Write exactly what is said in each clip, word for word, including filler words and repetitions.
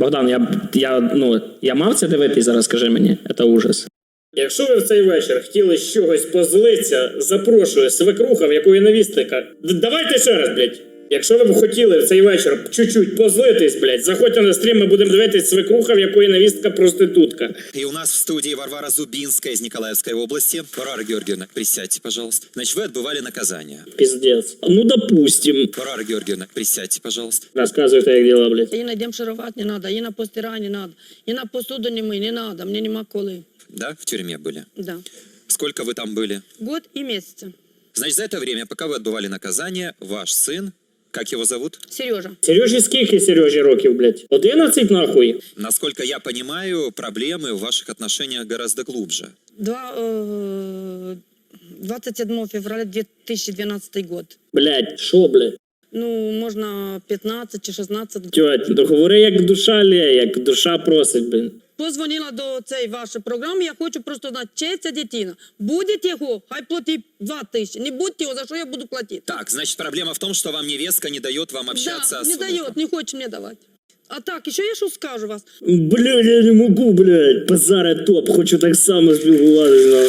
Богдан, я, я, ну, я мав це дивитись зараз, скажи мені. Це ужас. Якщо ви в цей вечір хотіли з чогось позлитися, запрошую свекруха, в якої невістика. Давайте ще раз, блядь. Якщо ви б хотіли в цей вечір чуть-чуть позлитись, блядь, заходьте на стрім, ми будемо дивитись свекруха, в якої невістка проститутка. И у нас в студии Варвара Зубинская из Николаевской области. Варвара Георгиевна, присядьте, пожалуйста. Значит, вы отбывали наказание. Пиздец. Ну, допустим. Варвара Георгиевна, присядьте, пожалуйста. Рассказывайте, как дела, блядь. И на демшировать не надо, и на постирать не надо, и на посуду не мы, не надо, мне нема коли. Да, в тюрьме были? Да. Сколько вы там были? Год и месяца. Значит, за это время, пока вы отбывали наказание, ваш сын, как его зовут? Сережа. Сережі скільки Сережі років, блядь? одинадцять нахуй? Насколько я понимаю, проблемы в ваших отношениях гораздо глубже. Два, э, двадцать седьмого февраля две тысячи двенадцатый год. Блядь, шо, блядь? Ну, можна пятнадцать чи шістнадцять. Тьоть, ну говори, як душа лє, як душа просить, блін. Позвонила до цієї вашої програми, я хочу просто знати, чия ця дитина. Буде його, хай платить два тисячі. Не будь його, за що я буду платити? Так, значит, проблема в том, что вам невестка не дает вам общаться Да, с не внуком. дает, не хочет мне давать. А так, еще я що скажу вас. Блядь, я не можу, блядь. Базаре топ, хочу так само спілкуватися.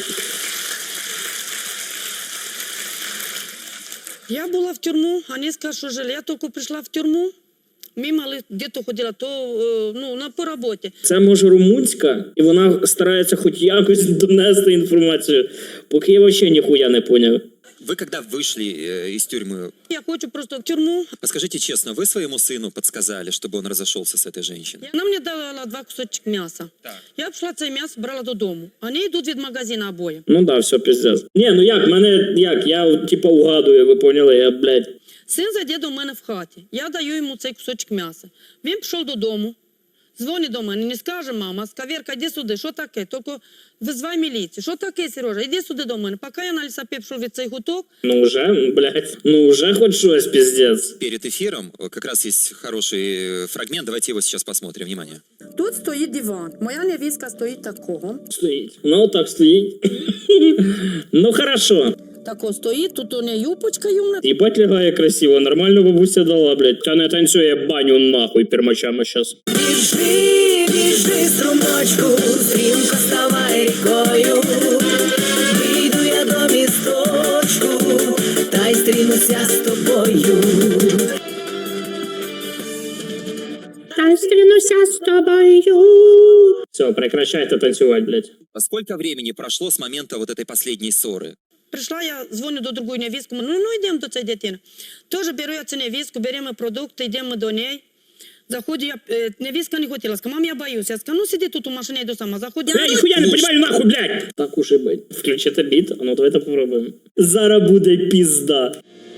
Я була в тюрму, вони сказали, що жаль, я тільки прийшла в тюрму, мимо где-то ходила, то е, ну, на, по роботі. Це може румунська, і вона старається хоч якось донести інформацію, поки я взагалі ніхуя не поняв. Вы когда вышли э, из тюрьмы, Я хочу просто в тюрму. подскажите честно, вы своему сыну подсказали, чтобы он разошелся с этой женщиной? Вона мені дала два кусочки м'яса. Так. Я пішла це м'ясо, брала додому. Вони йдуть від магазину обоє. Ну да, все, пиздец. Ні, ну як, мене, як, я типа угадую, ви поняли, я, блядь. Син зайде до мене в хаті. Я даю йому цей кусочок м'яса. Він пішов додому, дзвонить до мене, не скаже, мама, скаверка, іди сюди, що таке? Тільки визвай міліцію. Що таке, Сережа? Іди сюди до мене. Поки я на лісапі пішов від цей гуток. Ну уже, блядь, ну уже хоч щось, пиздец. Перед эфиром э, как раз есть хороший э, фрагмент, давайте его сейчас посмотрим. Внимание. Тут стоїть диван. Моя невістка стоїть такого. Стоїть. Ну так стоїть. Ну хорошо. Тако стоїть, тут у неї юпочка юмна. Ебать лягає красиво, нормально бабуся дала, блядь. Та не танцює баню нахуй пермачами щас. Біжи, біжи, струмочку, стрімко ставай рікою. Вийду я до місточку, та й стрінуся з тобою. Та й стрінуся з тобою. Все, прекращайте танцювати, блядь. А сколько времени прошло с момента вот этой последней ссоры? Прийшла я, дзвоню до другої невістки, ну, ну йдемо до цієї дитини. Теж беру я цю невістку, беремо продукти, йдемо до неї. Заходжу я, е, невістка не хотіла, сказала, мам, я боюсь. Я сказала, ну сиди тут у машині, йду сама. Заходжу. Я ніхуя не понимаю, нахуй, блядь! Так уж і бить. Включите біт, а ну давайте попробуємо. Зараз буде пізда.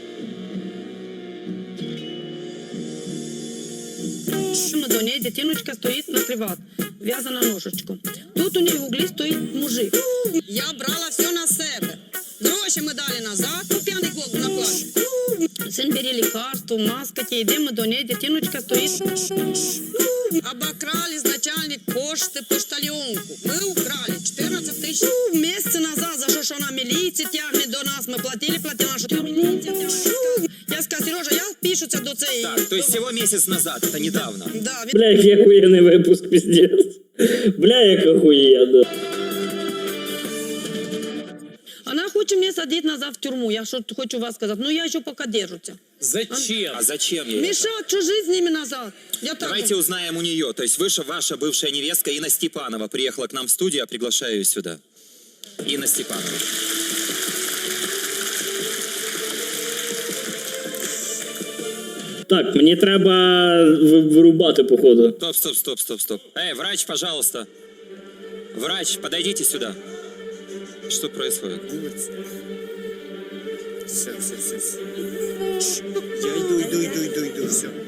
До неї дитиночка стоїть на криват, в'язана ножичку. Тут у неї в углі стоїть мужик. Я брала все на себе. Гроші ми дали назад, ну п'яний клоп накладе. Син бери лікарство, маска, ті, йдемо до неї, дитиночка стоїть. Обокрали начальник пошти поштальонку. Ми украли чотирнадцять тисяч. Місяць назад, за що ж вона міліції тягне до нас, ми платили, платили нашу тюрму. Я сказала, Сережа, я впишуся до цієї. Так, то есть всего месяц назад, это недавно. Да, він... Бля, який охуєнний випуск, пиздец. Бля, як охуєнно. Она хочет мне садить назад в тюрьму. Я что хочу вас сказать. Ну, я еще пока держуся. Зачем? А зачем ей это? Мешать чужие с ними назад. Я так Давайте думаю. узнаем у нее. То есть выше ваша бывшая невестка Инна Степанова приехала к нам в студию, я приглашаю ее сюда. Инна Степанова. Так, мені треба ви- вирубати, походу. Стоп, стоп, стоп, стоп, стоп. Эй, врач, пожалуйста. Врач, подойдите сюда. Что происходит? Все, все, все, все. Я иду, иду, иду, иду, иду, все.